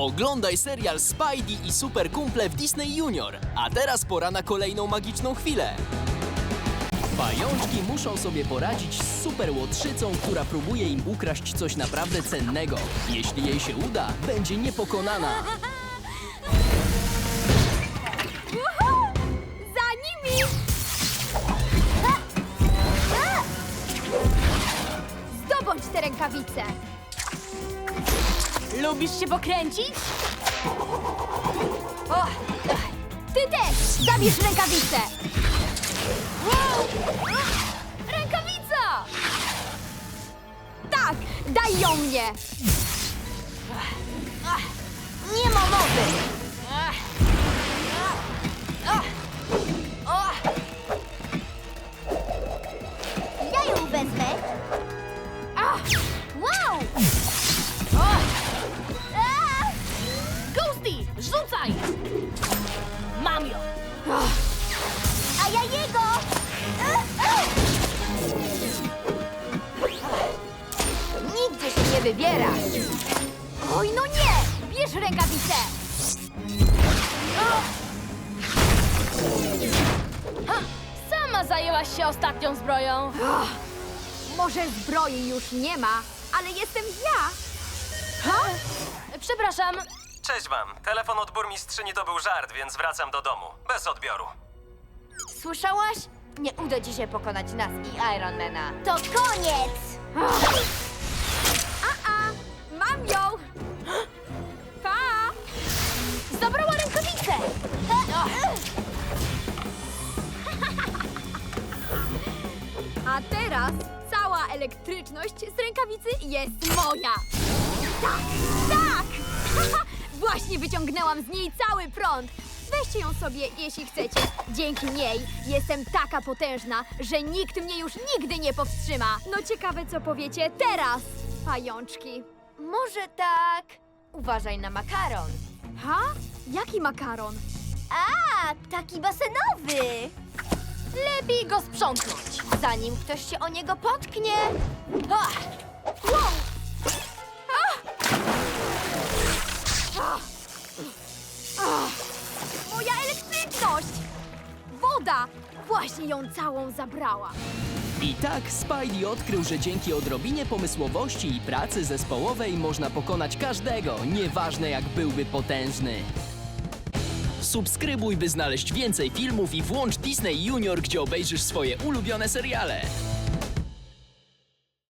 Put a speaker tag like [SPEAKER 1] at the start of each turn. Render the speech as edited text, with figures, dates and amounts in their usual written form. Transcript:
[SPEAKER 1] Oglądaj serial Spidey i Super Kumple w Disney Junior. A teraz pora na kolejną magiczną chwilę. Pajączki muszą sobie poradzić z super łotrzycą, która próbuje im ukraść coś naprawdę cennego. Jeśli jej się uda, będzie niepokonana.
[SPEAKER 2] Uhu! Za nimi! Zdobądź te rękawice! Lubisz się pokręcić? O, ty też! Zabierz rękawicę! Wow! Rękawica! Tak! Daj ją mnie! Nie ma mowy! Ja ją wezmę. Wow!
[SPEAKER 3] Ghosty, rzucaj! Mam ją!
[SPEAKER 2] A ja jego! Nigdzie się nie wybierasz! Oj, no nie! Bierz rękawicę!
[SPEAKER 3] Sama zajęłaś się ostatnią zbroją.
[SPEAKER 2] Może zbroi już nie ma, ale jestem ja!
[SPEAKER 3] Przepraszam,
[SPEAKER 4] Cześć wam. Telefon od burmistrzyni to był żart, więc wracam do domu. Bez odbioru.
[SPEAKER 2] Słyszałaś? Nie uda ci się pokonać nas i Ironmana. To koniec! Mam ją! Pa!
[SPEAKER 3] zabrała rękawicę!
[SPEAKER 2] A teraz cała elektryczność z rękawicy jest moja! Tak! Tak! Właśnie wyciągnęłam z niej cały prąd! Weźcie ją sobie, jeśli chcecie. Dzięki niej jestem taka potężna, że nikt mnie już nigdy nie powstrzyma. No ciekawe, co powiecie teraz, pajączki. Może tak... Uważaj na makaron. Ha? Jaki makaron? A, taki basenowy.
[SPEAKER 3] Lepiej go sprzątnąć.
[SPEAKER 2] Zanim ktoś się o niego potknie. Ha! Wow! Moja elektryczność! Woda! Właśnie ją całą zabrała.
[SPEAKER 1] I tak Spidey odkrył, że dzięki odrobinie pomysłowości i pracy zespołowej można pokonać każdego, nieważne jak byłby potężny. Subskrybuj, by znaleźć więcej filmów i włącz Disney Junior, gdzie obejrzysz swoje ulubione seriale.